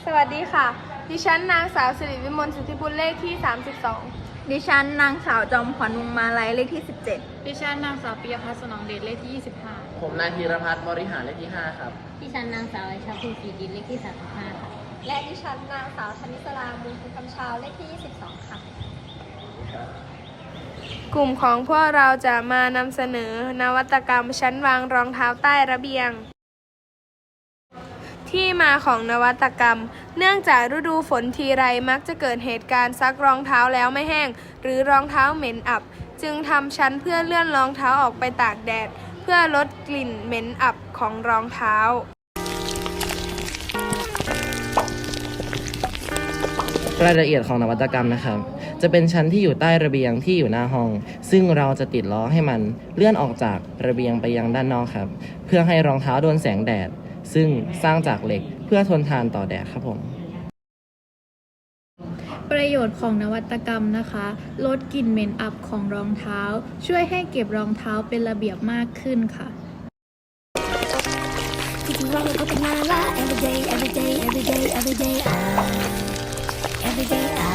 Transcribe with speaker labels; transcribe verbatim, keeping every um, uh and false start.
Speaker 1: สวัสดีค่ะ ดิฉันนางสาวสิริวิมลสุทธิบุญเลขที่สามสิบสอง
Speaker 2: ดิฉันนางสาวจอมขวัญวงมาลัยเลขที่สิบเจ็ด
Speaker 3: ดิฉันนางสาวปิยพัฒน์สนองเดชเลขที่ยี่สิบห้า
Speaker 4: ผมนายธีรพัฒน์บริหารเลขที่ห้าครับ
Speaker 5: ดิฉันนางสาวไอชาภูสีดินเลขที่สามสิบห้าค่ะ
Speaker 1: และดิฉันนางสาวธนิสรามูลคุณคำชาวเลขที่ยี่สิบสองค่ะกลุ่มของพวกเราจะมานำเสนอนวัตกรรมชั้นวางรองเท้าใต้ระเบียงที่มาของนวัตกรรมเนื่องจากฤดูฝนทีไรมักจะเกิดเหตุการณ์ซักรองเท้าแล้วไม่แห้งหรือรองเท้าเหม็นอับจึงทำชั้นเพื่อเลื่อนรองเท้าออกไปตากแดดเพื่อลดกลิ่นเหม็นอับของรองเท้าร
Speaker 4: ายละเอียดของนวัตกรรมนะครับจะเป็นชั้นที่อยู่ใต้ระเบียงที่อยู่หน้าห้องซึ่งเราจะติดล้อให้มันเลื่อนออกจากระเบียงไปยังด้านนอกครับเพื่อให้รองเท้าโดนแสงแดดซึ่งสร้างจากเหล็กเพื่อทนทานต่อแดดครับผม
Speaker 3: ประโยชน์ของนวัตกรรมนะคะลดกลิ่นเหม็นอับของรองเท้าช่วยให้เก็บรองเท้าเป็นระเบียบมากขึ้นค่ะ
Speaker 6: Every day, every day, every day, every day, every day, I, every day I